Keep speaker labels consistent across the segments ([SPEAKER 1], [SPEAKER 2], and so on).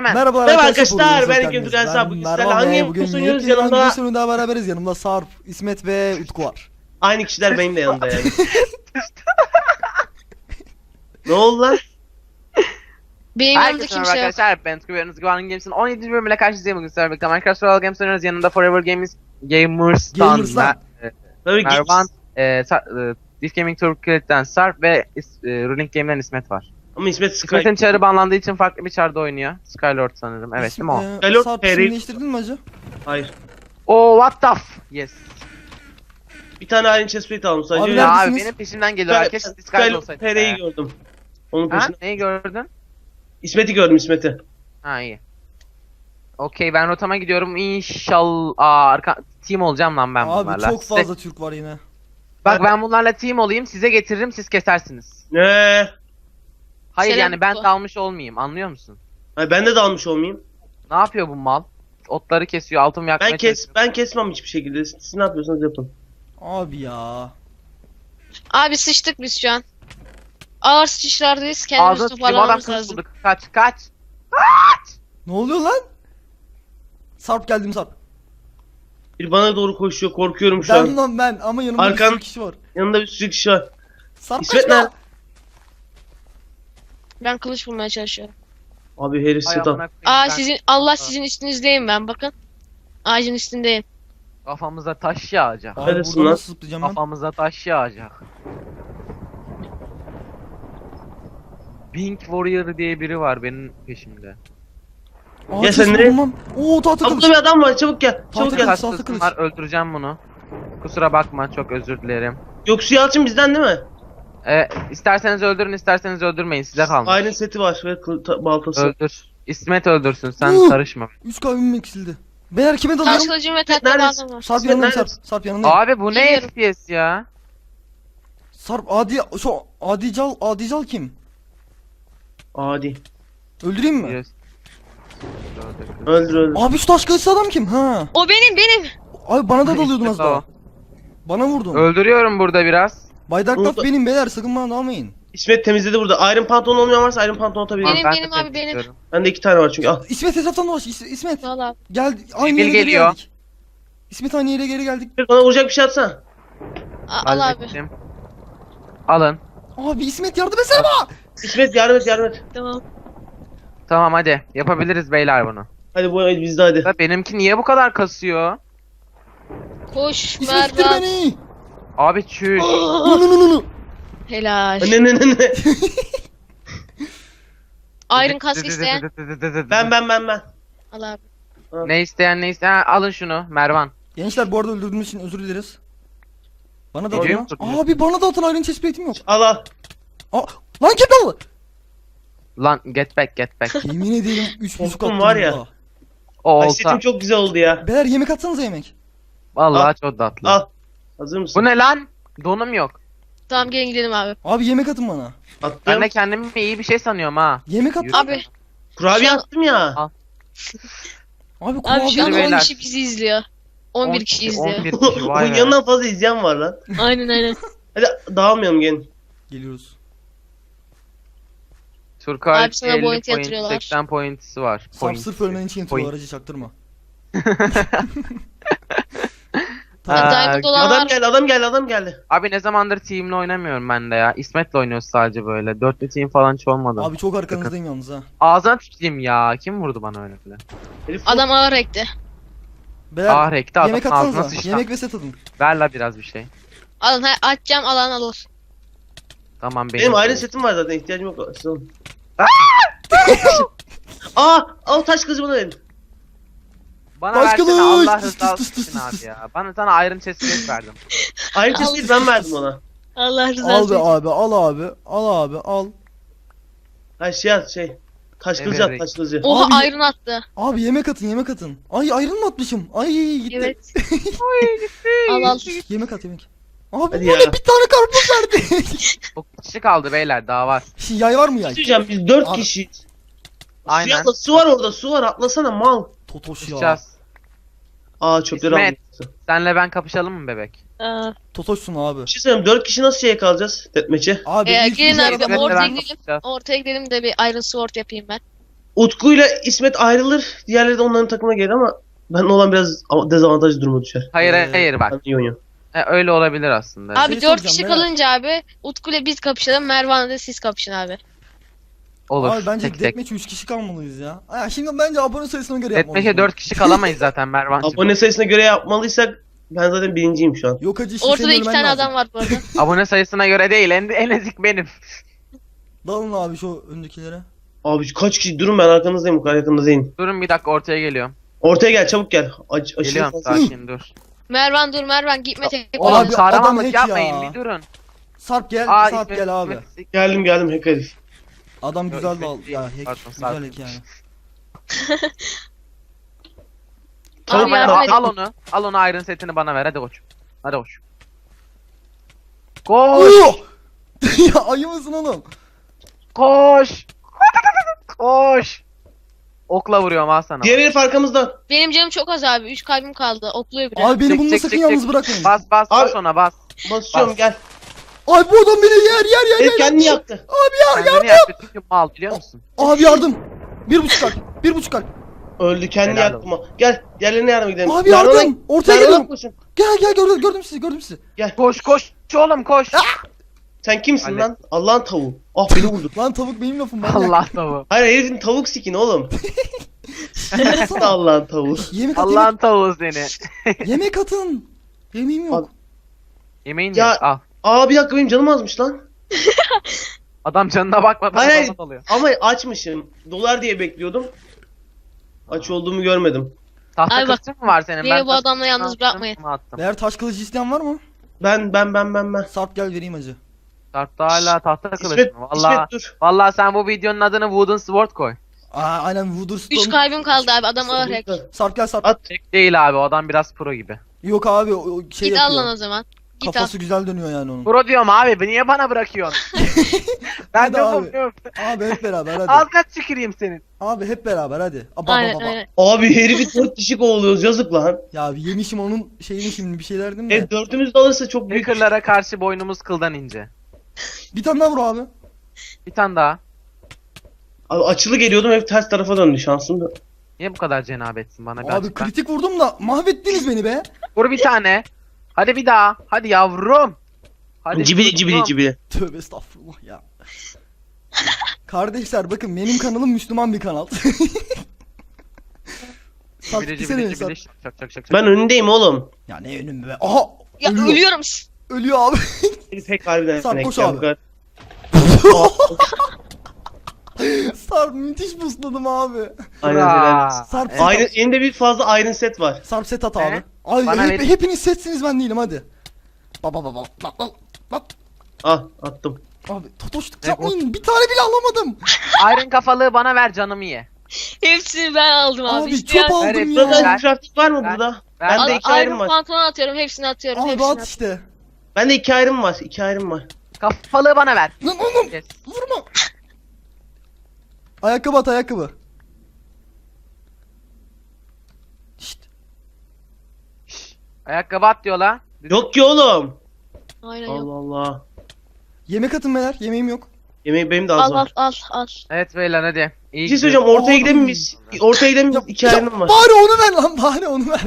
[SPEAKER 1] Merhabalar
[SPEAKER 2] Merhaba
[SPEAKER 1] arkadaşlar,
[SPEAKER 2] arkadaşlar, ben
[SPEAKER 1] bugün
[SPEAKER 2] Ekim Tükensa. Bugün sizlerle
[SPEAKER 1] Merhaba
[SPEAKER 2] hangi
[SPEAKER 1] ve
[SPEAKER 2] game
[SPEAKER 1] bugün
[SPEAKER 2] sunuyoruz?
[SPEAKER 1] yeni
[SPEAKER 2] Yanımda
[SPEAKER 1] hangi sonunda beraberiz. Yanımda Sarp, İsmet ve Utku var.
[SPEAKER 2] aynı kişiler benim de yanımda yani. Ne oldu lan?
[SPEAKER 3] Benim yanımda
[SPEAKER 4] Herkese merhaba
[SPEAKER 3] kimse yok.
[SPEAKER 4] arkadaşlar, ben Utku ve Yunus Güven'in Games'in 17. bölümüyle karşınızdayım bugün sizlerle birlikte. Minecraft Survival Games oynuyoruz. Yanında Forever Gamers'tan
[SPEAKER 1] Gamers'tan.
[SPEAKER 2] Böyle
[SPEAKER 4] Mervan, This Gaming Turkey'den Sarp ve Ruling Game'den İsmet var.
[SPEAKER 2] Ama İsmet Sky.
[SPEAKER 4] İsmet'in çarı banlandığı için farklı bir çarda oynuyor. Skylord sanırım, evet değil mi o?
[SPEAKER 2] Hello,
[SPEAKER 1] Sarp
[SPEAKER 2] Perry.
[SPEAKER 1] isim değiştirdin mi acı?
[SPEAKER 2] Hayır.
[SPEAKER 4] Oh what the yes.
[SPEAKER 2] Bir tane aynı chestplate aldım sadece.
[SPEAKER 1] Abi
[SPEAKER 2] Öyle-
[SPEAKER 4] Ya abi
[SPEAKER 1] neredesiniz?
[SPEAKER 4] benim peşimden geliyor herkes. Skylord olsaydı.
[SPEAKER 2] Perry'i gördüm. Onun
[SPEAKER 4] Ha?
[SPEAKER 2] peşinde.
[SPEAKER 4] Neyi gördün?
[SPEAKER 2] İsmet'i gördüm, İsmet'i.
[SPEAKER 4] Ha iyi. Okey ben rotama gidiyorum inşallah. Team olacağım lan ben
[SPEAKER 1] Abi
[SPEAKER 4] bunlarla.
[SPEAKER 1] çok fazla Türk var yine.
[SPEAKER 4] Bak ben bunlarla team olayım, size getiririm, siz kesersiniz.
[SPEAKER 2] Ne?
[SPEAKER 4] Hayır
[SPEAKER 3] Selam
[SPEAKER 4] yani ben
[SPEAKER 3] Utku.
[SPEAKER 4] dalmış olmayayım, anlıyor musun?
[SPEAKER 2] Ay, ben de dalmış olmayayım.
[SPEAKER 4] Ne yapıyor bu mal? Otları kesiyor, altın yakmaya çalışıyor.
[SPEAKER 2] Ben kesmem hiçbir şekilde. Siz ne yapıyorsanız yapın.
[SPEAKER 1] Abi ya.
[SPEAKER 3] Abi sıçtık biz şu an. Ağır sıçışlardayız.
[SPEAKER 4] Ağzına
[SPEAKER 3] Kendimizi
[SPEAKER 4] sıçayım, adam
[SPEAKER 3] toparlamamız
[SPEAKER 4] kılıç
[SPEAKER 3] lazım.
[SPEAKER 4] bulduk. Kaç.
[SPEAKER 1] Ne oluyor lan? Sarp geldim Sarp.
[SPEAKER 2] Bir bana doğru koşuyor, korkuyorum şu an.
[SPEAKER 1] Ben ama yanımda bir
[SPEAKER 2] Arkan-
[SPEAKER 1] sürü kişi var.
[SPEAKER 2] Yanında bir sürü kişi var.
[SPEAKER 1] Sarp
[SPEAKER 2] İsmet
[SPEAKER 1] kaçma.
[SPEAKER 2] nerede?
[SPEAKER 3] Ben kılıç bulmaya çalışıyorum.
[SPEAKER 2] Abi herif
[SPEAKER 4] Ay,
[SPEAKER 2] satan.
[SPEAKER 4] amına koyayım, ben
[SPEAKER 3] Allah sizin üstünüzdeyim ben bakın. Ağacın üstündeyim.
[SPEAKER 4] Kafamıza taş yağacak.
[SPEAKER 1] Abi
[SPEAKER 2] Neredesin
[SPEAKER 1] buradan
[SPEAKER 2] lan?
[SPEAKER 1] nasıl zıplayacağım ben?
[SPEAKER 4] Kafamıza taş yağacak. Pink Warrior diye biri var benim peşimde.
[SPEAKER 1] Aa,
[SPEAKER 2] Ya
[SPEAKER 1] ses
[SPEAKER 2] sen nereye-
[SPEAKER 1] bulmam. Oo tahta
[SPEAKER 2] Aa,
[SPEAKER 1] kılıç.
[SPEAKER 2] burada bir adam var, çabuk gel. Çabuk
[SPEAKER 1] Tahta
[SPEAKER 2] gel.
[SPEAKER 1] kılıç.
[SPEAKER 4] Kaç
[SPEAKER 1] saltı
[SPEAKER 4] kızım
[SPEAKER 1] kılıç.
[SPEAKER 4] var, öldüreceğim bunu. Kusura bakma, çok özür dilerim.
[SPEAKER 2] Yoksu Yalçın bizden değil mi?
[SPEAKER 4] İsterseniz öldürün, isterseniz öldürmeyin, size kalmış.
[SPEAKER 2] Aynı seti var ve baltası.
[SPEAKER 4] Öldür. İsmet öldürsün, sen
[SPEAKER 1] Uh!
[SPEAKER 4] karışma.
[SPEAKER 1] 3 kalbim eksildi. Beyler kime
[SPEAKER 3] Taş
[SPEAKER 1] dalıyorum?
[SPEAKER 3] kılıcım ve tatlı
[SPEAKER 2] Neredesin?
[SPEAKER 3] bağım var.
[SPEAKER 1] Sarp
[SPEAKER 2] İsmet
[SPEAKER 1] yanındayım Sarp.
[SPEAKER 2] neredesin?
[SPEAKER 1] Sarp yanındayım.
[SPEAKER 4] Abi bu ne
[SPEAKER 3] Biliyorum.
[SPEAKER 4] FPS ya?
[SPEAKER 1] Sarp Adical kim?
[SPEAKER 2] Adi.
[SPEAKER 1] Öldüreyim mi?
[SPEAKER 4] Yes.
[SPEAKER 2] Öldür.
[SPEAKER 1] Abi şu taş kılıçlı adam kim? Ha.
[SPEAKER 3] O benim.
[SPEAKER 1] Abi bana da dalıyordun az
[SPEAKER 4] İşte o.
[SPEAKER 1] daha. Bana vurdun.
[SPEAKER 4] Öldürüyorum burada biraz.
[SPEAKER 1] Bay Darknot
[SPEAKER 2] Burada-
[SPEAKER 1] benim beyler, sakın bana dalmayın.
[SPEAKER 2] İsmet temizledi burada. Iron pantolon olmayan varsa Iron pantolon atabilirim.
[SPEAKER 3] Benim,
[SPEAKER 4] Ben de
[SPEAKER 3] benim abi,
[SPEAKER 4] tek
[SPEAKER 3] benim.
[SPEAKER 4] istiyorum.
[SPEAKER 2] Bende 2 tane var çünkü. Al.
[SPEAKER 1] İsmet etraftan dolaş. İsmet
[SPEAKER 3] Valla.
[SPEAKER 1] gel, aynı
[SPEAKER 4] Bil
[SPEAKER 1] yere geri
[SPEAKER 4] geliyor.
[SPEAKER 1] geldik. İsmet aynı yere geri geldik.
[SPEAKER 2] Bana vuracak bir şey atsana.
[SPEAKER 3] Al abi.
[SPEAKER 4] Hallettim. Alın.
[SPEAKER 1] Abi İsmet yardım etsene bana.
[SPEAKER 2] İsmet yardım et, yardım et.
[SPEAKER 3] Tamam.
[SPEAKER 4] Tamam hadi. Yapabiliriz beyler bunu.
[SPEAKER 2] Hadi bu el bizde hadi.
[SPEAKER 4] Da benimki niye bu kadar kasıyor?
[SPEAKER 3] Koş
[SPEAKER 1] İsmet ittir
[SPEAKER 3] Mervan.
[SPEAKER 1] beni.
[SPEAKER 4] Abi çüş.
[SPEAKER 1] Nu.
[SPEAKER 3] Helal.
[SPEAKER 2] Ne.
[SPEAKER 3] Iron kask isteyen.
[SPEAKER 2] Ben.
[SPEAKER 3] Al abi.
[SPEAKER 4] Ne isteyen. Ha, alın şunu Mervan.
[SPEAKER 1] Gençler bu arada öldürdüğümüz için özür dileriz. Bana da
[SPEAKER 4] Geliyor
[SPEAKER 1] atın.
[SPEAKER 4] musun?
[SPEAKER 1] Abi bana da atın, Iron chestplate'im yok.
[SPEAKER 2] Al.
[SPEAKER 1] Aa, lan kim dalı?
[SPEAKER 4] Lan get back.
[SPEAKER 1] Yemin ederim 3.5
[SPEAKER 2] Korktum
[SPEAKER 1] attım
[SPEAKER 2] var ya.
[SPEAKER 1] burada.
[SPEAKER 4] O
[SPEAKER 2] Ay
[SPEAKER 4] olsa.
[SPEAKER 2] setim çok güzel oldu ya.
[SPEAKER 1] Beyler yemek atsanıza yemek.
[SPEAKER 4] Vallahi çok tatlı.
[SPEAKER 2] Al. Hazır mısın?
[SPEAKER 4] Bu ne lan? Donum yok.
[SPEAKER 3] Tamam gelin gidelim abi.
[SPEAKER 1] Abi yemek atın bana.
[SPEAKER 2] Attım.
[SPEAKER 4] Ben de kendimi iyi bir şey sanıyorum ha.
[SPEAKER 1] Yemek at.
[SPEAKER 4] Yürü.
[SPEAKER 3] Abi.
[SPEAKER 2] Kurabiye
[SPEAKER 3] Şu an-
[SPEAKER 2] attım ya.
[SPEAKER 4] Al.
[SPEAKER 1] Abi
[SPEAKER 3] Abi şu an
[SPEAKER 1] kurabiye.
[SPEAKER 4] beyler.
[SPEAKER 3] 10 kişi bizi izliyor. 11 kişi izliyor.
[SPEAKER 4] 11 kişi vay
[SPEAKER 2] Bunun
[SPEAKER 4] be.
[SPEAKER 2] yanından fazla izleyen var lan.
[SPEAKER 3] Aynen.
[SPEAKER 2] Hadi dağılmayalım gelin.
[SPEAKER 1] Geliyoruz.
[SPEAKER 4] Turkay
[SPEAKER 3] Abi sana
[SPEAKER 4] 50
[SPEAKER 3] point
[SPEAKER 4] point,
[SPEAKER 3] yatırıyorlar.
[SPEAKER 4] 80 point'si var.
[SPEAKER 1] Sarp
[SPEAKER 4] Point'si.
[SPEAKER 1] sırf ölmen için yatıyor,
[SPEAKER 4] Point.
[SPEAKER 1] aracı çaktırma.
[SPEAKER 4] Ha,
[SPEAKER 3] Diamond olan var.
[SPEAKER 2] Adam geldi.
[SPEAKER 4] Abi ne zamandır team'le oynamıyorum ben de ya. İsmet'le oynuyoruz sadece böyle. Dörtlü team falan hiç olmadı.
[SPEAKER 1] Abi çok arkanızdayım yalnız ha.
[SPEAKER 4] Ağzına tüküreyim ya. Kim vurdu bana öyle bile?
[SPEAKER 2] Herif
[SPEAKER 3] Adam ağır ekti.
[SPEAKER 1] Beyler
[SPEAKER 4] Ah rekti adamın
[SPEAKER 1] yemek
[SPEAKER 4] ağzına
[SPEAKER 1] atsanıza.
[SPEAKER 4] sıçtı.
[SPEAKER 1] Yemek ve set atın.
[SPEAKER 4] Ver la biraz bir şey.
[SPEAKER 3] Alın atacağım alan alır.
[SPEAKER 4] Tamam
[SPEAKER 2] Benim ayrı setim var zaten, ihtiyacım yok. Siz alın. Al taş kızı bana verin.
[SPEAKER 4] Bana
[SPEAKER 1] Taş
[SPEAKER 4] versene
[SPEAKER 1] kılıç!
[SPEAKER 4] Allah
[SPEAKER 1] Tıs
[SPEAKER 4] rızası
[SPEAKER 1] tıs tıs
[SPEAKER 4] için
[SPEAKER 1] tıs
[SPEAKER 4] abi
[SPEAKER 1] tıs.
[SPEAKER 4] ya. Bana sana Iron Chestplate verdim.
[SPEAKER 2] Ayrı çizgiyi ben verdim ona.
[SPEAKER 3] Allah
[SPEAKER 1] Al
[SPEAKER 3] rızası
[SPEAKER 1] be
[SPEAKER 3] için.
[SPEAKER 1] abi, al abi, al.
[SPEAKER 2] Ha şey. Taş kılıcı
[SPEAKER 4] Evet.
[SPEAKER 2] at, taş kılıcı.
[SPEAKER 3] Oha
[SPEAKER 1] Abi-
[SPEAKER 3] Iron attı.
[SPEAKER 1] Abi yemek atın. Ay ayrın mı atmışım? Ay gitti.
[SPEAKER 3] Evet. al.
[SPEAKER 1] Yemek at yemek. Abi
[SPEAKER 2] Hadi
[SPEAKER 1] bu
[SPEAKER 2] ya.
[SPEAKER 1] ne, bir tane karpuz verdi.
[SPEAKER 4] Çok kişi kaldı beyler daha var.
[SPEAKER 1] Yay var mı yay?
[SPEAKER 2] Diyeceğim biz 4
[SPEAKER 1] Abi-
[SPEAKER 2] kişiyiz.
[SPEAKER 4] Aynen.
[SPEAKER 2] Suya atla, su var orada, su var, atlasana mal.
[SPEAKER 1] Totoş ya.
[SPEAKER 4] Tutacağız.
[SPEAKER 2] Çöpleri
[SPEAKER 4] İsmet.
[SPEAKER 2] aldım.
[SPEAKER 4] Senle ben kapışalım mı bebek?
[SPEAKER 1] Totoşsun abi.
[SPEAKER 2] Bir şey söyleyeyim, 4 kişi nasıl şeye kalacağız? Deathmatch'e.
[SPEAKER 1] Abi
[SPEAKER 3] Gelin
[SPEAKER 1] ilk bir
[SPEAKER 3] abi,
[SPEAKER 1] adam
[SPEAKER 4] Evet,
[SPEAKER 3] ortaya
[SPEAKER 4] ben
[SPEAKER 3] gidelim.
[SPEAKER 4] kapışacağız.
[SPEAKER 3] Ortaya gidelim de bir Iron Sword yapayım ben.
[SPEAKER 2] Utku'yla İsmet ayrılır. Diğerleri de onların takımına gelir ama ben olan biraz dezavantajlı duruma düşer.
[SPEAKER 4] Hayır
[SPEAKER 1] Ee,
[SPEAKER 4] hayır bak.
[SPEAKER 2] Ben iyi oynuyorum.
[SPEAKER 4] Öyle olabilir aslında.
[SPEAKER 3] Abi
[SPEAKER 1] Şey
[SPEAKER 3] 4
[SPEAKER 1] soracağım,
[SPEAKER 3] kişi
[SPEAKER 1] Berat.
[SPEAKER 3] kalınca abi Utku ile biz kapışalım. Mervan'la da siz kapışın abi.
[SPEAKER 4] Olur.
[SPEAKER 1] Abi bence
[SPEAKER 4] tek tek.
[SPEAKER 1] deathmatch'e 3 kişi kalmalıyız ya. Aa, şimdi bence abone sayısına göre yapmalıyız.
[SPEAKER 4] Deathmatch'e 4 kişi kalamayız zaten Mervan'cığım.
[SPEAKER 2] Abone sayısına göre yapmalıysak ben zaten birinciyim şu an.
[SPEAKER 1] Yok hacı işte
[SPEAKER 3] Ortada
[SPEAKER 1] senin
[SPEAKER 3] 2
[SPEAKER 1] ölmen
[SPEAKER 3] tane
[SPEAKER 1] lazım.
[SPEAKER 3] adam var bu arada.
[SPEAKER 4] Abone sayısına göre değil en ezik benim.
[SPEAKER 1] Dalın abi şu öndekilere.
[SPEAKER 2] Abi kaç kişi durun ben arkanızdayım bu kadar yakında değilim.
[SPEAKER 4] Durun bir dakika ortaya geliyorum.
[SPEAKER 2] Ortaya gel çabuk gel. Aşırı
[SPEAKER 4] Geliyorum
[SPEAKER 2] fazla.
[SPEAKER 4] sakin dur.
[SPEAKER 3] Mervan dur Mervan gitme tek.
[SPEAKER 1] Abi,
[SPEAKER 4] Oğlum
[SPEAKER 1] adam
[SPEAKER 4] kahramanlık
[SPEAKER 1] hack
[SPEAKER 4] yapmayın
[SPEAKER 1] ya.
[SPEAKER 4] bir durun.
[SPEAKER 1] Sarp gel,
[SPEAKER 4] Aa,
[SPEAKER 1] Sarp
[SPEAKER 4] İsmet-
[SPEAKER 1] gel abi.
[SPEAKER 4] İsmet-
[SPEAKER 2] Geldim hack herif.
[SPEAKER 1] Adam
[SPEAKER 4] Yok,
[SPEAKER 1] güzel
[SPEAKER 4] İsmet
[SPEAKER 1] dal.
[SPEAKER 4] değil.
[SPEAKER 1] Ya hack
[SPEAKER 4] Pardon,
[SPEAKER 1] güzel
[SPEAKER 4] Sarp.
[SPEAKER 1] hack yani.
[SPEAKER 2] Tamam,
[SPEAKER 3] Abi
[SPEAKER 2] ben
[SPEAKER 3] yardım
[SPEAKER 4] Al,
[SPEAKER 3] et.
[SPEAKER 4] al onu Iron setini bana ver hadi koç. Hadi koç. Koş
[SPEAKER 1] Oo! Ya ayı mısın oğlum?
[SPEAKER 4] koş. Koş. Okla vuruyorum al sana.
[SPEAKER 2] Diğer herif arkamızda.
[SPEAKER 3] Benim canım çok az abi. 3 kalbim kaldı. Okluyor biri.
[SPEAKER 1] Abi beni
[SPEAKER 4] Çek,
[SPEAKER 1] bununla
[SPEAKER 4] çek,
[SPEAKER 1] sakın
[SPEAKER 4] çek,
[SPEAKER 1] yalnız
[SPEAKER 4] çek.
[SPEAKER 1] bırakmayın.
[SPEAKER 4] Bas bas
[SPEAKER 2] Abi-
[SPEAKER 4] bas ona bas.
[SPEAKER 2] Basıyorum
[SPEAKER 4] Bas.
[SPEAKER 2] gel.
[SPEAKER 1] Ay bu adam beni yer
[SPEAKER 2] Herif kendini yaktı.
[SPEAKER 4] Kendini yaktı çünkü mal biliyor musun?
[SPEAKER 1] Abi yardım. 1,5 kalp. 1,5 kalp.
[SPEAKER 2] Öldü kendini
[SPEAKER 4] Helal
[SPEAKER 2] yaktı ama. Gel diğerlerine yardım gidelim.
[SPEAKER 1] Abi
[SPEAKER 2] Mervan'a-
[SPEAKER 1] yardım. Ortaya
[SPEAKER 2] Mervan'a
[SPEAKER 1] geliyorum.
[SPEAKER 2] koşun.
[SPEAKER 1] Gel gördüm sizi gördüm sizi.
[SPEAKER 4] Koş koş oğlum koş.
[SPEAKER 2] Sen kimsin
[SPEAKER 4] Hallet.
[SPEAKER 2] lan? Allah'ın tavuğu. Ah beni vurdu.
[SPEAKER 1] Lan tavuk benim lafım. Ben
[SPEAKER 4] Allah tavuğu.
[SPEAKER 2] Hayır herifin tavuk sikin oğlum. Nasıl da Allah'ın tavuğu?
[SPEAKER 1] Yemek at
[SPEAKER 4] Allah'ın tavuğu seni.
[SPEAKER 1] yemek atın. Yemeğim yok.
[SPEAKER 4] Yemeğin
[SPEAKER 2] Ya-
[SPEAKER 4] yok al.
[SPEAKER 2] Aa bir dakika benim canım azmış lan.
[SPEAKER 4] Adam canına bakmadan
[SPEAKER 2] Hayır, hayır.
[SPEAKER 4] sana dalıyor.
[SPEAKER 2] Ama açmışım. Dolar diye bekliyordum. Aç olduğumu görmedim.
[SPEAKER 4] Tahta
[SPEAKER 3] Ay bak,
[SPEAKER 4] kılıcın mı var senin?
[SPEAKER 3] beni bu
[SPEAKER 4] taş
[SPEAKER 3] adamla
[SPEAKER 4] kılıcını
[SPEAKER 3] yalnız
[SPEAKER 4] attım,
[SPEAKER 3] bırakmayın.
[SPEAKER 4] attım.
[SPEAKER 1] Eğer taş kılıcı isteyen var mı?
[SPEAKER 2] Ben.
[SPEAKER 1] Sarp gel vereyim hacı.
[SPEAKER 4] Tartta hala tahta kılıç
[SPEAKER 2] İsmet,
[SPEAKER 4] mı? Valla
[SPEAKER 2] İsmet dur.
[SPEAKER 4] valla sen bu videonun adını Wooden Sword koy.
[SPEAKER 1] Aa aynen Wooderstone.
[SPEAKER 3] 3 kalbim kaldı abi. Adam ağır hack.
[SPEAKER 1] Sarp gel Sarp.
[SPEAKER 2] At.
[SPEAKER 4] Tek değil abi o adam biraz pro gibi.
[SPEAKER 1] Yok abi o şey
[SPEAKER 3] Git al
[SPEAKER 1] yapıyor.
[SPEAKER 3] lan o zaman. Git al.
[SPEAKER 1] Kafası güzel dönüyor yani onun.
[SPEAKER 4] Pro diyorum abi niye bana bırakıyorsun? ben
[SPEAKER 1] Hadi
[SPEAKER 4] de
[SPEAKER 1] abi.
[SPEAKER 4] yapamıyorum.
[SPEAKER 1] Abi hep beraber hadi.
[SPEAKER 4] Ağzına tüküreyim senin.
[SPEAKER 1] Abi hep beraber hadi.
[SPEAKER 3] Aynen aynen.
[SPEAKER 2] Abi herifi 4 kişi kovalıyoruz yazık lan.
[SPEAKER 1] Ya yemişim onun şeyini şimdi bir şey derdim de.
[SPEAKER 2] Dördümüz de alırsa çok büyük.
[SPEAKER 4] Hackerlara karşı boynumuz kıldan ince.
[SPEAKER 1] Bir tane daha vur abi.
[SPEAKER 4] Bir tane daha.
[SPEAKER 2] Abi açılı geliyordum hep ters tarafa döndü şansım da.
[SPEAKER 4] Niye bu kadar cenabetsin bana
[SPEAKER 1] Abi
[SPEAKER 4] gerçekten?
[SPEAKER 1] kritik vurdum da mahvettiniz beni be.
[SPEAKER 4] Vur bir tane. Hadi bir daha. Hadi yavrum. Hadi
[SPEAKER 2] Cibili.
[SPEAKER 1] Tövbe estağfurullah ya. Kardeşler bakın benim kanalım Müslüman bir kanal. Sarp
[SPEAKER 4] Cibili
[SPEAKER 1] gitsene
[SPEAKER 4] cibili
[SPEAKER 1] Sarp.
[SPEAKER 4] cibili. Şak şak şak.
[SPEAKER 2] Ben önündeyim oğlum.
[SPEAKER 1] Ya ne önüm be. Aha
[SPEAKER 3] Ya
[SPEAKER 1] ölüyor.
[SPEAKER 3] ölüyorum.
[SPEAKER 1] Ölüyor abi.
[SPEAKER 2] Herif pek harbiden.
[SPEAKER 1] Sarp,
[SPEAKER 2] sinek
[SPEAKER 1] koş
[SPEAKER 2] ya,
[SPEAKER 1] abi.
[SPEAKER 2] bu kadar.
[SPEAKER 1] Sarp müthiş busladım abi.
[SPEAKER 2] Aynen
[SPEAKER 4] Hurra.
[SPEAKER 2] helal olsun.
[SPEAKER 1] Sarp
[SPEAKER 2] Iron, elinde bir fazla iron set var.
[SPEAKER 1] Sarp set at
[SPEAKER 4] Ne?
[SPEAKER 1] abi. Ay
[SPEAKER 4] Bana verin.
[SPEAKER 1] hepiniz setsiniz ben değilim hadi. Baba. Bak.
[SPEAKER 2] Ah attım.
[SPEAKER 1] Abi totoşluk
[SPEAKER 4] Ne
[SPEAKER 1] yapmayın. Bir tane bile alamadım.
[SPEAKER 4] Iron kafalığı bana ver canımı ye.
[SPEAKER 3] Hepsini ben aldım abi.
[SPEAKER 1] Abi
[SPEAKER 3] İsteyen-
[SPEAKER 1] çöp aldım
[SPEAKER 4] hepsini
[SPEAKER 1] ya.
[SPEAKER 2] Burada
[SPEAKER 4] ver.
[SPEAKER 2] crafting var mı
[SPEAKER 4] Ver.
[SPEAKER 2] burada?
[SPEAKER 4] Ver.
[SPEAKER 2] Ben de
[SPEAKER 3] Al,
[SPEAKER 2] 2 iron
[SPEAKER 3] Iron
[SPEAKER 2] var.
[SPEAKER 3] pantolon atıyorum. Hepsini atıyorum.
[SPEAKER 1] Abi
[SPEAKER 3] Hepsini
[SPEAKER 1] at
[SPEAKER 3] atıyorum.
[SPEAKER 1] işte.
[SPEAKER 2] Ben de 2 iron var. 2 iron var.
[SPEAKER 4] Kafalığı bana ver.
[SPEAKER 1] Lan oğlum
[SPEAKER 4] Yes.
[SPEAKER 1] vurma. Ayakkabı at ayakkabı. Şşt.
[SPEAKER 4] Ayakkabı at diyor la.
[SPEAKER 2] Yok ki oğlum.
[SPEAKER 3] Aynen yok.
[SPEAKER 2] Allah Allah.
[SPEAKER 1] Yemek atın beyler. Yemeğim yok.
[SPEAKER 2] Yemeği benim de az
[SPEAKER 3] Al al
[SPEAKER 2] var.
[SPEAKER 3] al.
[SPEAKER 4] Evet beyler hadi. İyi
[SPEAKER 2] Bir şey
[SPEAKER 4] gidiyor.
[SPEAKER 2] söyleyeceğim ortaya
[SPEAKER 1] Oğlum.
[SPEAKER 2] gidelim mi biz? Ortaya gidelim mi? 2
[SPEAKER 1] Ya,
[SPEAKER 2] iron'ım var.
[SPEAKER 1] bari onu ver lan bari onu ver.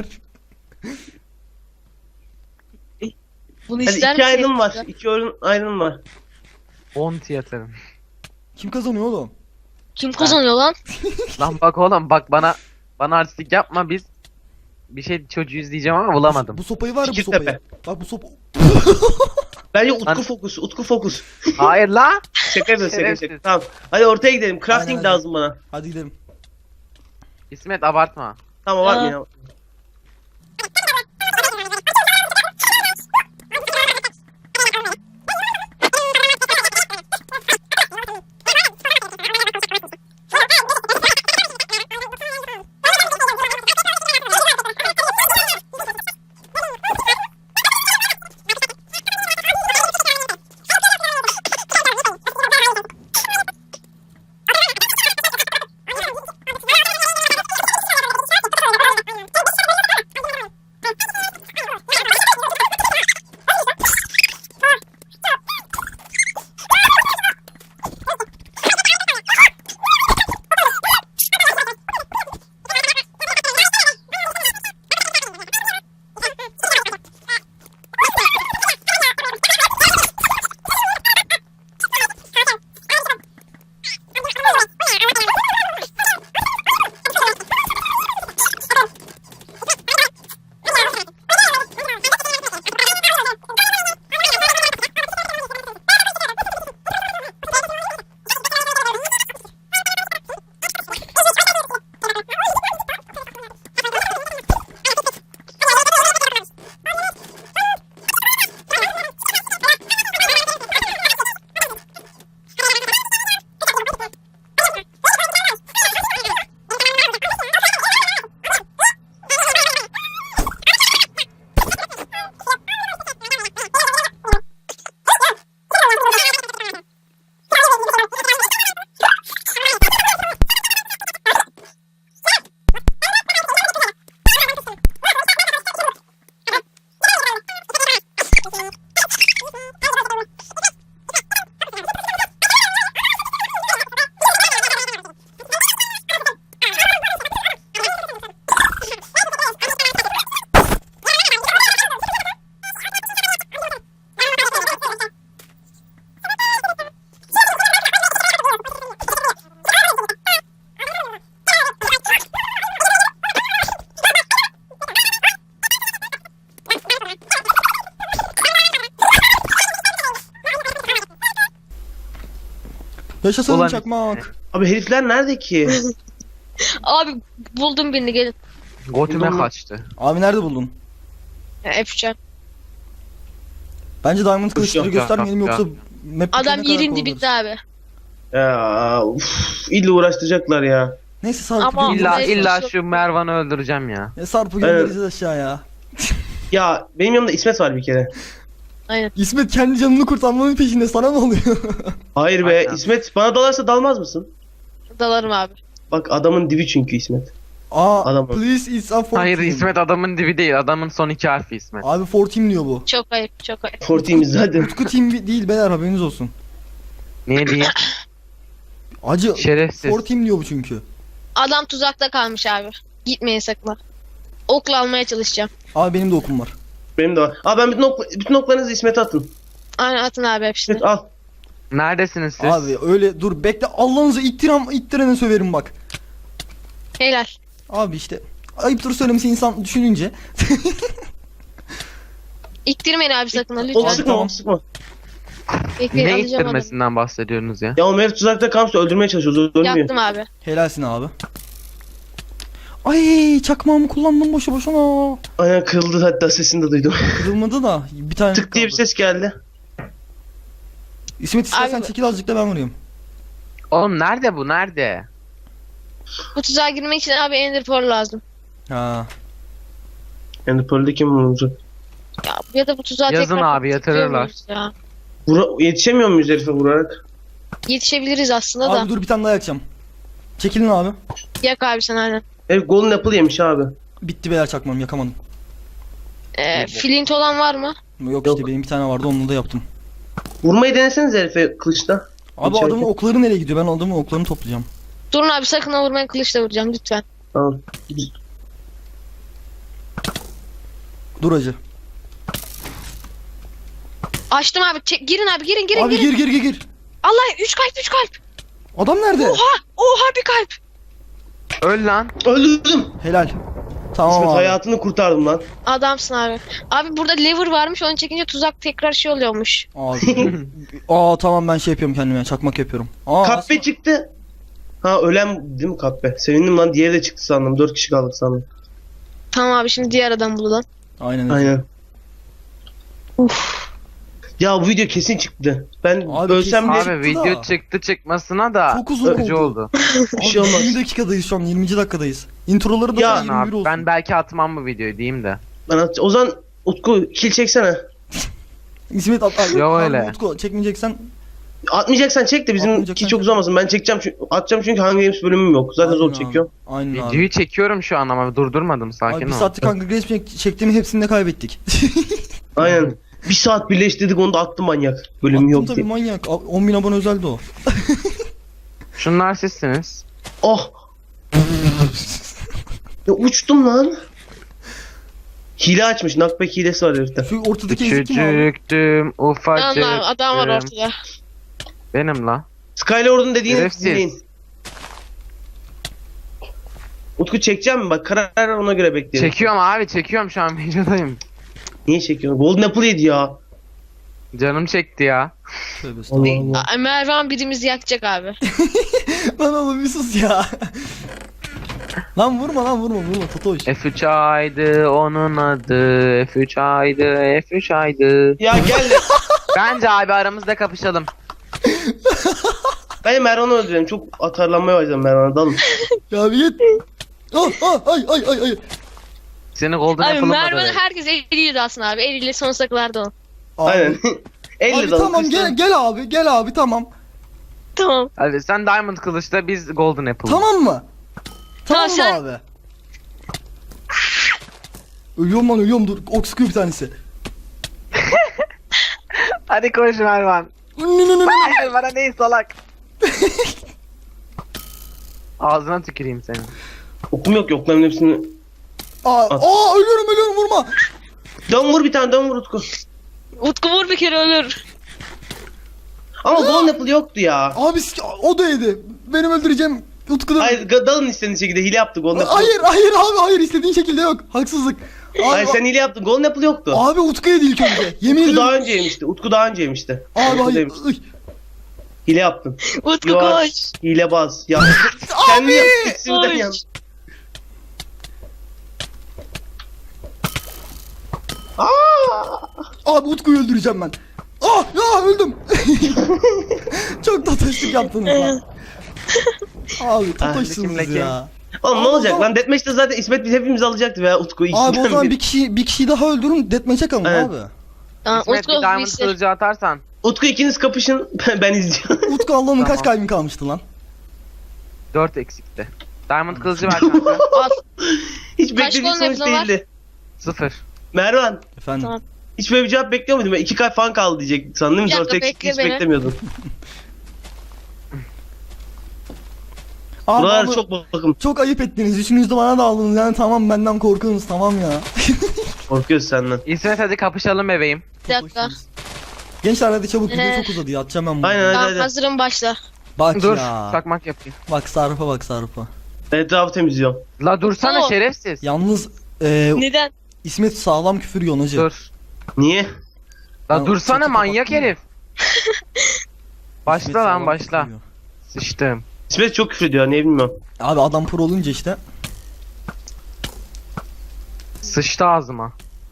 [SPEAKER 3] Bunu
[SPEAKER 2] Hadi
[SPEAKER 3] ister
[SPEAKER 2] 2
[SPEAKER 3] misin?
[SPEAKER 2] iron var. 2 iron var.
[SPEAKER 4] 10 tiyatarım.
[SPEAKER 1] Kim kazanıyor oğlum?
[SPEAKER 3] Kim kazanıyor lan?
[SPEAKER 4] Lan bak oğlum bak bana artistik yapma biz bir şey çocuğuyuz diyeceğim ama bulamadım.
[SPEAKER 1] Bu sopayı var ya bu
[SPEAKER 2] Fikirtepe.
[SPEAKER 1] sopayı. Bak bu sopa.
[SPEAKER 2] Bence
[SPEAKER 4] Lan-
[SPEAKER 2] Utku fokus.
[SPEAKER 4] Hayır la.
[SPEAKER 2] Şaka yapıyorum şaka
[SPEAKER 4] Şerefsiz.
[SPEAKER 2] şaka. Tamam. Hadi ortaya gidelim. Crafting
[SPEAKER 1] Aynen,
[SPEAKER 2] lazım bana.
[SPEAKER 1] Hadi gidelim.
[SPEAKER 4] İsmet abartma.
[SPEAKER 2] Tamam var mı
[SPEAKER 3] Aa.
[SPEAKER 2] ya?
[SPEAKER 1] Yaşasın
[SPEAKER 4] Ulan
[SPEAKER 1] çakmak.
[SPEAKER 2] Abi herifler nerede ki?
[SPEAKER 3] Abi buldum birini gelin.
[SPEAKER 4] Götüme
[SPEAKER 2] Buldum.
[SPEAKER 4] kaçtı.
[SPEAKER 1] Abi nerede buldun?
[SPEAKER 3] Ya, Efcan.
[SPEAKER 1] Bence Diamond kılıçları
[SPEAKER 2] yok,
[SPEAKER 1] göstermeyelim
[SPEAKER 4] yok,
[SPEAKER 1] yoksa
[SPEAKER 4] yok.
[SPEAKER 1] map
[SPEAKER 3] Adam
[SPEAKER 1] bitene kadar
[SPEAKER 3] yerin dibinde
[SPEAKER 1] kovalarız.
[SPEAKER 3] abi.
[SPEAKER 2] Ya illa uğraştıracaklar ya.
[SPEAKER 1] Neyse Sarp'ı
[SPEAKER 3] Ama-
[SPEAKER 1] göndeririz.
[SPEAKER 4] İlla
[SPEAKER 3] Çok-
[SPEAKER 4] şu Mervan'ı öldüreceğim ya.
[SPEAKER 1] Ya Sarp'ı göndereceğiz aşağıya.
[SPEAKER 2] Ya benim yanımda İsmet var bir kere.
[SPEAKER 1] İsmet kendi canını kurtarmanın peşinde, sana ne oluyor?
[SPEAKER 2] Hayır be
[SPEAKER 4] Aynen.
[SPEAKER 2] İsmet, bana dalarsa dalmaz mısın?
[SPEAKER 3] Dalarım abi.
[SPEAKER 2] Bak adamın dibi çünkü İsmet.
[SPEAKER 1] Aa,
[SPEAKER 2] Adam-
[SPEAKER 1] please it's a 14.
[SPEAKER 4] Hayır İsmet adamın dibi değil. Adamın son 2 harfi İsmet.
[SPEAKER 1] Abi 14 diyor bu.
[SPEAKER 3] Çok ayıp çok ayıp.
[SPEAKER 2] Fortimiz zaten.
[SPEAKER 1] Utku team değil beyler, haberiniz olsun.
[SPEAKER 4] Niye diyeyim?
[SPEAKER 1] Acı
[SPEAKER 4] Şerefsiz.
[SPEAKER 1] 14 diyor bu çünkü.
[SPEAKER 3] Adam tuzakta kalmış abi. Gitmeyin sakın. ha. Okla almaya çalışacağım.
[SPEAKER 1] Abi benim de okum var.
[SPEAKER 2] Benim de var. Aa ben bütün oklarınızı İsmet'e atın.
[SPEAKER 3] Aynen atın abi hepsini.
[SPEAKER 2] İsmet al.
[SPEAKER 4] Neredesiniz siz?
[SPEAKER 1] Abi öyle dur bekle, Allah'ınızı ittirene söverim bak.
[SPEAKER 3] Helal.
[SPEAKER 1] Abi işte ayıptır söylemesi insan düşününce.
[SPEAKER 3] İktirmeyin abi sakın ha
[SPEAKER 2] Ok
[SPEAKER 3] lütfen.
[SPEAKER 2] sıkma,
[SPEAKER 1] tamam.
[SPEAKER 2] ok sıkma.
[SPEAKER 3] Bekleyin
[SPEAKER 4] Ne
[SPEAKER 3] alacağım adamı.
[SPEAKER 4] ittirmesinden bahsediyorsunuz ya?
[SPEAKER 2] Ya o herif tuzakta kalmışsa öldürmeye çalışıyoruz. Ölmüyor.
[SPEAKER 3] Yaptım abi.
[SPEAKER 1] Helalsin abi. Ay çakmağımı kullandım boşu boşuna.
[SPEAKER 2] Aynen kırıldı, hatta sesini de duydum.
[SPEAKER 1] Kırılmadı da bir tane
[SPEAKER 2] Tık diye bir
[SPEAKER 1] kaldı.
[SPEAKER 2] ses geldi.
[SPEAKER 1] İsmet istersen
[SPEAKER 3] Abi-
[SPEAKER 1] çekil azıcık da ben vurayım.
[SPEAKER 4] Oğlum nerede bu? Nerede?
[SPEAKER 3] Bu tuzağa girmek için abi Ender Pearl lazım.
[SPEAKER 1] Ha.
[SPEAKER 2] Yani Pearl'de kim vuracak?
[SPEAKER 3] Ya da bu tuzağa
[SPEAKER 4] Yazın
[SPEAKER 3] tekrar
[SPEAKER 4] abi,
[SPEAKER 3] tıklıyor
[SPEAKER 4] yatırırlar.
[SPEAKER 3] muyuz Ya.
[SPEAKER 2] Yetişemiyor muyuz herife vurarak?
[SPEAKER 3] Yetişebiliriz aslında
[SPEAKER 1] Abi
[SPEAKER 3] da.
[SPEAKER 1] dur bir tane daha yakacağım. Çekilin abi.
[SPEAKER 3] Yak abi sen aynen.
[SPEAKER 2] Herif Golden Apple yemiş abi.
[SPEAKER 1] Bitti beyler, çakmağım yakamadım.
[SPEAKER 3] Flint olan var mı?
[SPEAKER 1] Yok,
[SPEAKER 2] Yok.
[SPEAKER 1] işte benim bir tane vardı, onunla da yaptım.
[SPEAKER 2] Vurmayı deneseniz herife kılıçla.
[SPEAKER 1] Abi
[SPEAKER 2] İçeride.
[SPEAKER 1] adamın okları nereye gidiyor? Ben adamın oklarını toplayacağım.
[SPEAKER 3] Durun abi sakın ha vurmayın, kılıçla vuracağım lütfen.
[SPEAKER 2] Tamam.
[SPEAKER 1] Dur acı.
[SPEAKER 3] Açtım abi. Girin abi girin
[SPEAKER 1] Abi
[SPEAKER 3] girin.
[SPEAKER 1] gir.
[SPEAKER 3] Allah 3 kalp 3 kalp.
[SPEAKER 1] Adam nerede?
[SPEAKER 3] Oha bir kalp.
[SPEAKER 4] Öl lan.
[SPEAKER 2] Öldürdüm.
[SPEAKER 1] Helal. Tamam
[SPEAKER 2] İsmet
[SPEAKER 1] abi.
[SPEAKER 2] hayatını kurtardım lan.
[SPEAKER 3] Adamsın abi. Abi burada lever varmış, onu çekince tuzak tekrar şey oluyormuş.
[SPEAKER 1] Abi. Aa tamam, ben şey yapıyorum kendime, çakmak yapıyorum. Aa,
[SPEAKER 2] Kahpe çıktı. Ha ölen değil mi kahpe? Sevindim lan, diğeri de çıktı sandım. 4 kişi kaldık sandım.
[SPEAKER 3] Tamam abi şimdi diğer adam bulalım.
[SPEAKER 1] Aynen öyle.
[SPEAKER 2] Aynen. Ya bu video kesin çıktı. Ben
[SPEAKER 1] Abi
[SPEAKER 2] ölsem
[SPEAKER 1] kesin-
[SPEAKER 2] bile
[SPEAKER 4] Abi
[SPEAKER 1] Çıktı
[SPEAKER 4] video
[SPEAKER 1] da.
[SPEAKER 4] çıktı çıkmasına da
[SPEAKER 1] Çok uzun
[SPEAKER 4] sıkıcı
[SPEAKER 1] oldu.
[SPEAKER 4] oldu.
[SPEAKER 2] bir şey
[SPEAKER 1] Abi
[SPEAKER 2] olmaz.
[SPEAKER 1] 20 dakikadayız şu an, 20. dakikadayız. Introları da
[SPEAKER 2] Ya,
[SPEAKER 1] 21
[SPEAKER 4] Abi,
[SPEAKER 1] olsun.
[SPEAKER 4] ben belki atmam bu videoyu diyeyim de.
[SPEAKER 2] O zaman Utku kill çeksene.
[SPEAKER 1] İsmet at.
[SPEAKER 4] Yo,
[SPEAKER 1] Abi,
[SPEAKER 4] öyle.
[SPEAKER 1] Utku, çekmeyeceksen
[SPEAKER 2] Atmayacaksan çek de bizimki
[SPEAKER 1] Atmayacaksan
[SPEAKER 2] çok
[SPEAKER 1] çek.
[SPEAKER 2] uzamasın. Ben çekeceğim atacağım çünkü Hunger Games bölümüm yok. Zaten
[SPEAKER 1] Aynen
[SPEAKER 2] zor
[SPEAKER 1] abi.
[SPEAKER 2] çekiyorum.
[SPEAKER 1] Aynen abi.
[SPEAKER 4] Videoyu çekiyorum şu an ama durdurmadım,
[SPEAKER 1] Abi
[SPEAKER 4] sakin
[SPEAKER 1] bir
[SPEAKER 4] ol.
[SPEAKER 1] saatlik Hunger Games çektiğimi hepsini de kaybettik.
[SPEAKER 2] Aynen. Bir saat birleştirdik, onu da attı manyak. Bölümü
[SPEAKER 1] Attım
[SPEAKER 2] yok
[SPEAKER 1] tabii,
[SPEAKER 2] diye.
[SPEAKER 1] manyak. 10.000 abone özeldi o.
[SPEAKER 4] Şunlar sizsiniz.
[SPEAKER 2] Oh. Ya uçtum lan. Hile açmış. Knockback hilesi var herifte.
[SPEAKER 1] Şu ortadaki ezik kim abi?
[SPEAKER 4] Küçücüktüm, ufacıktım.
[SPEAKER 3] Allah adam var ortada.
[SPEAKER 4] Benim la.
[SPEAKER 2] Skylord'un dediğini
[SPEAKER 4] Şerefsiz.
[SPEAKER 2] dinleyin. Utku çekeceğim mi? Bak karar ver, ona göre bekleyelim.
[SPEAKER 4] Çekiyorum abi, çekiyorum şu an videodayım.
[SPEAKER 2] Niye çekiyorsun? Golden Apple yedi ya.
[SPEAKER 4] Canım çekti ya.
[SPEAKER 1] Tövbe estağfurullah.
[SPEAKER 3] Mervan birimizi yakacak abi.
[SPEAKER 1] Lan oğlum bir sus ya. Lan vurma Totoş.
[SPEAKER 4] F3 aydı onun adı. F3 aydı, F3 aydı.
[SPEAKER 2] Ya gel de.
[SPEAKER 4] Bence abi aramızda kapışalım.
[SPEAKER 2] Ben Mervan'ı öldürelim. Çok atarlanmaya başladım Mervan'a. Dalın.
[SPEAKER 1] Ya bir git. Ay.
[SPEAKER 4] Seni Golden
[SPEAKER 3] Abi
[SPEAKER 4] Apple'ım
[SPEAKER 3] Mervan'ı herkes eliyle aslında abi. Eliyle sonsuza kadar da o.
[SPEAKER 1] Abi,
[SPEAKER 2] Aynen. 50
[SPEAKER 1] Abi
[SPEAKER 2] dalın.
[SPEAKER 1] tamam gel abi tamam.
[SPEAKER 3] Tamam.
[SPEAKER 4] Hadi sen Diamond Kılıç'ta, biz Golden Apple.
[SPEAKER 1] Tamam mı? Tamam mı
[SPEAKER 3] sen-
[SPEAKER 1] abi? Ölüyorum dur. Ok sıkıyor bir tanesi.
[SPEAKER 4] Hadi koş Mervan. Hayır bana değil salak. Ağzına tüküreyim seni.
[SPEAKER 2] Okum yok, yokların hepsini.
[SPEAKER 1] Aa ölüyorum vurma.
[SPEAKER 2] Dön vur bir tane, dön vur Utku.
[SPEAKER 3] Utku vur bir kere ölür.
[SPEAKER 2] Ama Golden Apple yoktu ya.
[SPEAKER 1] Abi o da yedi. Benim öldüreceğim Utku'da.
[SPEAKER 2] Hayır dalın istediğin şekilde, hile yaptı Golden Apple.
[SPEAKER 1] Hayır istediğin şekilde yok. Haksızlık. Abi,
[SPEAKER 2] Hayır sen hile yaptın, Golden Apple yoktu.
[SPEAKER 1] Abi Utku yedi ilk önce. Yemin
[SPEAKER 2] Utku
[SPEAKER 1] ederim.
[SPEAKER 2] daha önce yemişti. Utku daha önce yemişti.
[SPEAKER 1] Abi
[SPEAKER 2] Utku
[SPEAKER 1] hayır.
[SPEAKER 2] demiş. Hile yaptın.
[SPEAKER 3] Utku
[SPEAKER 2] Yok.
[SPEAKER 3] koş.
[SPEAKER 2] Hilebaz. Ya. Kendi yaptın. İkisini de
[SPEAKER 3] Koş.
[SPEAKER 2] yan. Aa!
[SPEAKER 1] Abi Utku'yu öldüreceğim ben. Ah ya öldüm. Çok totoşluk yaptınız lan. Abi totoşsunuz
[SPEAKER 4] Kimle kim?
[SPEAKER 1] ya.
[SPEAKER 2] Oğlum ne
[SPEAKER 1] Abi,
[SPEAKER 2] olacak
[SPEAKER 1] o zaman-
[SPEAKER 2] lan? Deathmatch'te zaten İsmet biz hepimiz alacaktı veya Utku
[SPEAKER 1] Abi o
[SPEAKER 2] ikisinden
[SPEAKER 1] zaman
[SPEAKER 2] biri.
[SPEAKER 1] bir kişi daha öldürün deathmatch'e kalın
[SPEAKER 2] Evet.
[SPEAKER 1] abi.
[SPEAKER 3] Tamam
[SPEAKER 4] İsmet
[SPEAKER 3] Utku
[SPEAKER 4] bir diamond
[SPEAKER 3] birisi.
[SPEAKER 4] kılıcı atarsan.
[SPEAKER 2] Utku ikiniz kapışın. Ben izliyorum.
[SPEAKER 1] Utku Allah'ım kaç
[SPEAKER 4] Tamam.
[SPEAKER 1] kalbin kalmıştı lan?
[SPEAKER 4] 4 eksikti. Diamond kılıcı ver kanka.
[SPEAKER 3] Al.
[SPEAKER 2] Hiç
[SPEAKER 3] Kaç
[SPEAKER 2] beklediğim
[SPEAKER 3] gol
[SPEAKER 2] sonuç
[SPEAKER 3] yapılan var?
[SPEAKER 2] değildi.
[SPEAKER 4] 0.
[SPEAKER 2] Mervan.
[SPEAKER 1] Efendim.
[SPEAKER 3] Tamam.
[SPEAKER 2] Hiç böyle bir cevap bekliyor muydun? Ben 2 kalp falan kaldı diyecek sandım.
[SPEAKER 3] Bir dakika,
[SPEAKER 2] 4 eksik
[SPEAKER 3] bekle
[SPEAKER 2] hiç
[SPEAKER 3] beni.
[SPEAKER 2] beklemiyordum.
[SPEAKER 1] Abi
[SPEAKER 2] Buralar
[SPEAKER 1] ama
[SPEAKER 2] çok bakım.
[SPEAKER 1] çok ayıp ettiniz. Üçünüz de bana da aldınız. Yani tamam benden korkuyorsunuz tamam ya.
[SPEAKER 2] Korkuyoruz senden.
[SPEAKER 4] İsmet hadi kapışalım bebeğim.
[SPEAKER 3] Bir dakika.
[SPEAKER 1] Gençler hadi çabuk video çok uzadı ya. Atacağım ben bunu.
[SPEAKER 2] Aynen
[SPEAKER 3] Tamam
[SPEAKER 2] hadi.
[SPEAKER 3] hazırım başla.
[SPEAKER 1] Bak
[SPEAKER 4] Dur.
[SPEAKER 1] ya.
[SPEAKER 4] Çakmak yapayım.
[SPEAKER 1] Bak Sarp'a bak Sarp'a.
[SPEAKER 2] Etrafı temizliyorum.
[SPEAKER 4] La dursana
[SPEAKER 3] Utku.
[SPEAKER 4] şerefsiz.
[SPEAKER 1] Yalnız
[SPEAKER 3] Neden?
[SPEAKER 1] İsmet sağlam küfür yiyor hacı.
[SPEAKER 4] Dur.
[SPEAKER 2] Niye?
[SPEAKER 4] La
[SPEAKER 1] Ya,
[SPEAKER 4] dursana
[SPEAKER 1] çatı
[SPEAKER 4] manyak
[SPEAKER 1] kapattın mı?
[SPEAKER 4] herif. Başla
[SPEAKER 1] İsmet
[SPEAKER 4] lan
[SPEAKER 1] sağlam
[SPEAKER 4] başla.
[SPEAKER 1] küfür yiyor.
[SPEAKER 4] Sıçtım.
[SPEAKER 2] İsmet çok küfür ediyor ne bilmiyorum.
[SPEAKER 1] Abi adam pro olunca işte.
[SPEAKER 4] Sıçtı ağzıma.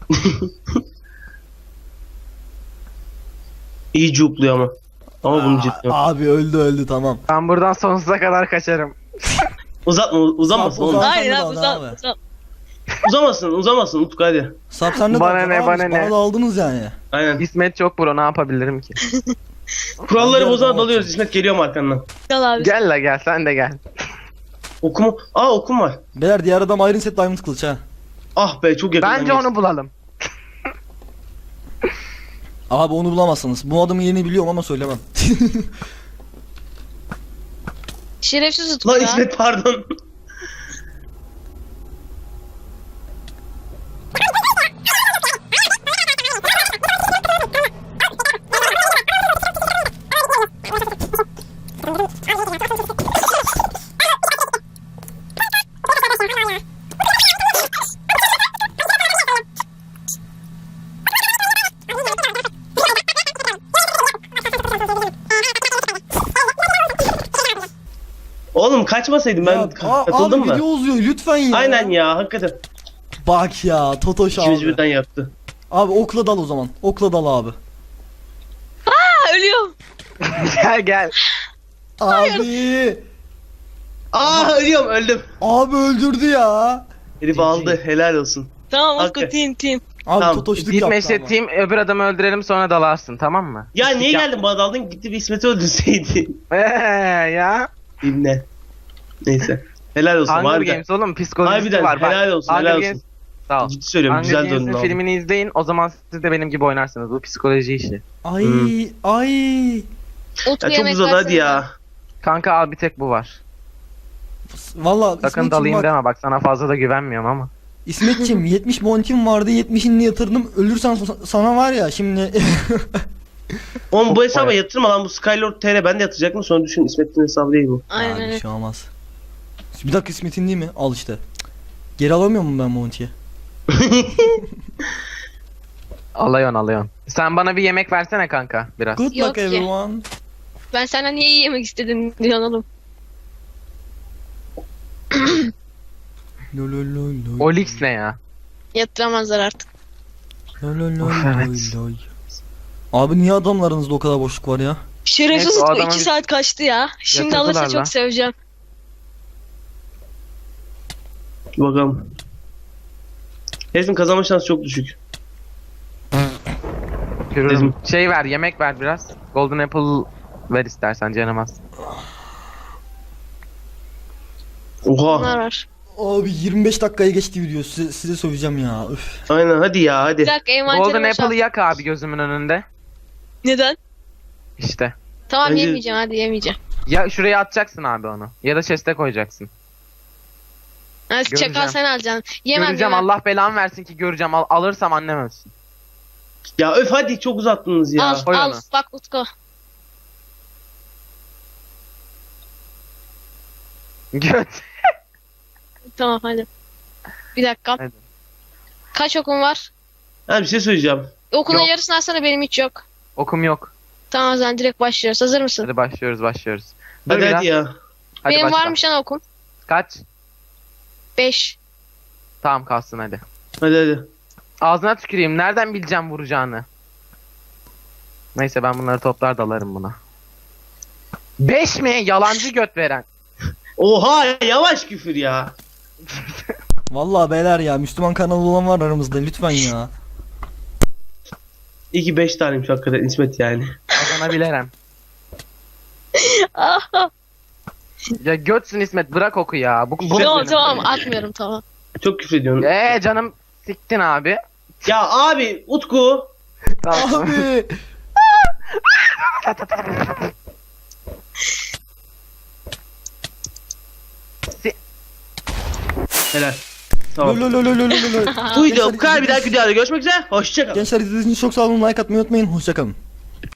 [SPEAKER 2] İyi cupluyor ama. Ama bunu ciddi.
[SPEAKER 1] Abi öldü tamam.
[SPEAKER 4] Ben buradan sonsuza kadar kaçarım.
[SPEAKER 2] Uzatma uzamasın
[SPEAKER 1] Uzat-
[SPEAKER 2] oğlum.
[SPEAKER 1] uzat.
[SPEAKER 3] Hayır
[SPEAKER 1] sen de
[SPEAKER 3] abi
[SPEAKER 1] al,
[SPEAKER 3] uzat
[SPEAKER 1] abi.
[SPEAKER 3] uzat.
[SPEAKER 2] Uzamasın Utku hadi.
[SPEAKER 1] Sarp sen de
[SPEAKER 4] Bana
[SPEAKER 1] dalacaksın
[SPEAKER 4] ne,
[SPEAKER 1] abi,
[SPEAKER 4] bana
[SPEAKER 1] işte
[SPEAKER 4] ne?
[SPEAKER 1] Bana da aldınız yani.
[SPEAKER 2] Aynen.
[SPEAKER 4] İsmet çok bro, ne yapabilirim ki?
[SPEAKER 2] Kuralları
[SPEAKER 1] Ben de
[SPEAKER 2] bozana
[SPEAKER 1] arada
[SPEAKER 2] dalıyoruz İsmet geliyorum arkandan.
[SPEAKER 3] Gel abi.
[SPEAKER 4] Gel la gel, sen de gel.
[SPEAKER 2] Okumu. Aa okum var.
[SPEAKER 1] Beyler diğer adam Iron Set Diamond kılıç ha.
[SPEAKER 2] Ah be çok yakın.
[SPEAKER 4] Bence onu bulalım.
[SPEAKER 1] Abi onu bulamazsınız. Bu adamın yerini biliyorum ama söylemem.
[SPEAKER 3] Şerefsiz Utku
[SPEAKER 2] Lan
[SPEAKER 3] ya.
[SPEAKER 2] İsmet pardon. Oğlum kaçmasaydım ben
[SPEAKER 1] Ya,
[SPEAKER 2] katıldım
[SPEAKER 1] abi
[SPEAKER 2] mı?
[SPEAKER 1] video uzuyor lütfen ya.
[SPEAKER 2] Aynen ya hakikaten.
[SPEAKER 1] Bak ya Totoş
[SPEAKER 2] İkimiz
[SPEAKER 1] abi.
[SPEAKER 2] birden yaktı.
[SPEAKER 1] Abi okla dal o zaman. Okla dal abi.
[SPEAKER 3] Ha, ölüyorum.
[SPEAKER 4] Gel gel.
[SPEAKER 1] Abi.
[SPEAKER 2] Aa ölüyorum öldüm.
[SPEAKER 1] Abi öldürdü ya.
[SPEAKER 2] Herif aldı helal olsun.
[SPEAKER 3] Tamam Utku
[SPEAKER 2] Hakikaten.
[SPEAKER 3] team.
[SPEAKER 1] Abi
[SPEAKER 2] Tamam,
[SPEAKER 1] Totoşluk
[SPEAKER 4] Gitme
[SPEAKER 1] yaptı
[SPEAKER 4] işte
[SPEAKER 1] ama.
[SPEAKER 4] team, öbür adamı öldürelim sonra dalarsın, tamam mı?
[SPEAKER 2] Ya niye
[SPEAKER 4] Yap-
[SPEAKER 2] geldin bana daldın gitti bir İsmet'i öldürseydin.
[SPEAKER 4] Ya.
[SPEAKER 2] İbne. Neyse. Helal olsun.
[SPEAKER 4] Hunger
[SPEAKER 2] Harbiden.
[SPEAKER 4] Games oğlum, psikolojisi
[SPEAKER 2] Harbiden
[SPEAKER 4] var. Bak,
[SPEAKER 2] helal olsun
[SPEAKER 4] Hunger
[SPEAKER 2] helal
[SPEAKER 4] Games-
[SPEAKER 2] olsun.
[SPEAKER 4] Sağ ol.
[SPEAKER 2] Ciddi söylüyorum
[SPEAKER 4] Hunger
[SPEAKER 2] güzel döndün
[SPEAKER 4] Games'in
[SPEAKER 2] abi.
[SPEAKER 4] filmini izleyin, o zaman siz de benim gibi oynarsınız. Bu psikoloji işi.
[SPEAKER 1] Ay
[SPEAKER 2] Hmm.
[SPEAKER 1] ay.
[SPEAKER 3] Utku
[SPEAKER 2] Ya çok
[SPEAKER 3] yemek
[SPEAKER 2] uzadı
[SPEAKER 3] versene
[SPEAKER 2] hadi ya.
[SPEAKER 4] Kanka al, bir tek bu var.
[SPEAKER 1] Valla
[SPEAKER 4] Sakın
[SPEAKER 1] İsmetciğim
[SPEAKER 4] dalayım
[SPEAKER 1] bak.
[SPEAKER 4] deme, bak sana fazla da güvenmiyorum ama.
[SPEAKER 1] İsmetciğim 70 montim vardı 70'ini yatırdım. Ölürsen sana var ya şimdi.
[SPEAKER 2] Oğlum bu hesaba
[SPEAKER 4] bayağı.
[SPEAKER 2] yatırma lan bu Skylord TR ben de yatıracaktım sonra düşün İsmet'in hesabı değil bu.
[SPEAKER 3] Aynen
[SPEAKER 1] Abi,
[SPEAKER 3] öyle.
[SPEAKER 1] bir şey olmaz. Bir dakika İsmet'in değil mi? Al işte. Geri alamıyor muyum ben montiyi?
[SPEAKER 4] Alıyorsun. Sen bana bir yemek versene kanka biraz.
[SPEAKER 1] Good
[SPEAKER 3] Yok
[SPEAKER 1] luck
[SPEAKER 3] ki.
[SPEAKER 1] everyone.
[SPEAKER 3] Ben senden niye yemek istedim diyorsun oğlum.
[SPEAKER 1] Lo lo lo lo.
[SPEAKER 4] Olix ne ya?
[SPEAKER 3] Yatıramazlar artık.
[SPEAKER 1] Lo lo lo
[SPEAKER 4] Of,
[SPEAKER 1] lo
[SPEAKER 4] evet.
[SPEAKER 1] lo. Abi niye adamlarınızda o kadar boşluk var ya?
[SPEAKER 3] Şerefsiz
[SPEAKER 4] Neyse, o
[SPEAKER 3] Utku
[SPEAKER 4] adamı
[SPEAKER 3] 2
[SPEAKER 4] bir-
[SPEAKER 3] saat kaçtı ya. Şimdi
[SPEAKER 4] Yatırdılar
[SPEAKER 3] alırsa
[SPEAKER 4] lan.
[SPEAKER 3] çok seveceğim.
[SPEAKER 2] Bakalım. Herifin kazanma şansı çok düşük.
[SPEAKER 4] Görürüm. Şey ver, yemek ver biraz. Golden Apple ver istersen, canım az.
[SPEAKER 2] Oha.
[SPEAKER 3] Bunlar var.
[SPEAKER 1] Abi 25 dakikaya geçti video. Size söveceğim ya. Üf.
[SPEAKER 2] Aynen hadi ya
[SPEAKER 3] Bir
[SPEAKER 2] hadi.
[SPEAKER 3] dakika
[SPEAKER 4] Golden
[SPEAKER 3] envanterimi
[SPEAKER 4] Apple'ı
[SPEAKER 3] boşalt.
[SPEAKER 4] yak abi gözümün önünde.
[SPEAKER 3] Neden?
[SPEAKER 4] İşte.
[SPEAKER 3] Tamam
[SPEAKER 2] Bence-
[SPEAKER 3] yemeyeceğim hadi yemeyeceğim.
[SPEAKER 4] Ya şuraya atacaksın abi onu. Ya da chest'e koyacaksın.
[SPEAKER 3] Ha,
[SPEAKER 4] Göreceğim.
[SPEAKER 3] çakal sen alacaksın. Yemem
[SPEAKER 4] Göreceğim,
[SPEAKER 3] yemem.
[SPEAKER 4] Allah belamı versin ki göreceğim. Alırsam annem ölsün.
[SPEAKER 2] Ya öf hadi çok uzattınız ya.
[SPEAKER 3] Al
[SPEAKER 4] Koy
[SPEAKER 3] al
[SPEAKER 4] onu.
[SPEAKER 3] bak Utku.
[SPEAKER 4] Göt.
[SPEAKER 3] Tamam hadi. Bir dakika.
[SPEAKER 4] Hadi.
[SPEAKER 3] Kaç okun var?
[SPEAKER 2] Ha bir şey söyleyeceğim.
[SPEAKER 3] Okunun
[SPEAKER 4] Yok.
[SPEAKER 3] yarısını alsana benim hiç yok.
[SPEAKER 4] Okum yok.
[SPEAKER 3] Tamam o zaman direkt başlıyoruz. Hazır mısın?
[SPEAKER 4] Hadi başlıyoruz. Dur
[SPEAKER 2] Hadi
[SPEAKER 4] biraz.
[SPEAKER 2] hadi ya.
[SPEAKER 4] Hadi
[SPEAKER 3] Benim
[SPEAKER 4] başla.
[SPEAKER 3] varmış lan okum.
[SPEAKER 4] Kaç?
[SPEAKER 3] 5.
[SPEAKER 4] Tamam kalsın hadi.
[SPEAKER 2] Hadi.
[SPEAKER 4] Ağzına tüküreyim. Nereden bileceğim vuracağını? Neyse ben bunları toplar dalarım buna. 5 mi? Yalancı göt veren.
[SPEAKER 2] Oha yavaş küfür ya.
[SPEAKER 1] Vallahi beyler ya, Müslüman kanalı olan var aramızda, lütfen ya.
[SPEAKER 2] İyi ki 5 taneymiş hakikaten İsmet yani.
[SPEAKER 4] Kazanabilirim. Ya götsün İsmet, bırak oku ya. Bu
[SPEAKER 3] Tamam tamam atmıyorum tamam.
[SPEAKER 2] Çok küfür ediyorsun.
[SPEAKER 4] Canım siktin abi.
[SPEAKER 2] Ya abi Utku.
[SPEAKER 4] Tamam.
[SPEAKER 1] Abi.
[SPEAKER 2] Helal. Tamam.
[SPEAKER 1] Lololololololol.
[SPEAKER 2] Bu video bu kadar, bir dahaki videoda görüşmek üzere. Hoşçakalın.
[SPEAKER 1] Gençler izlediğiniz için çok sağ olun. Like atmayı unutmayın. Hoşçakalın.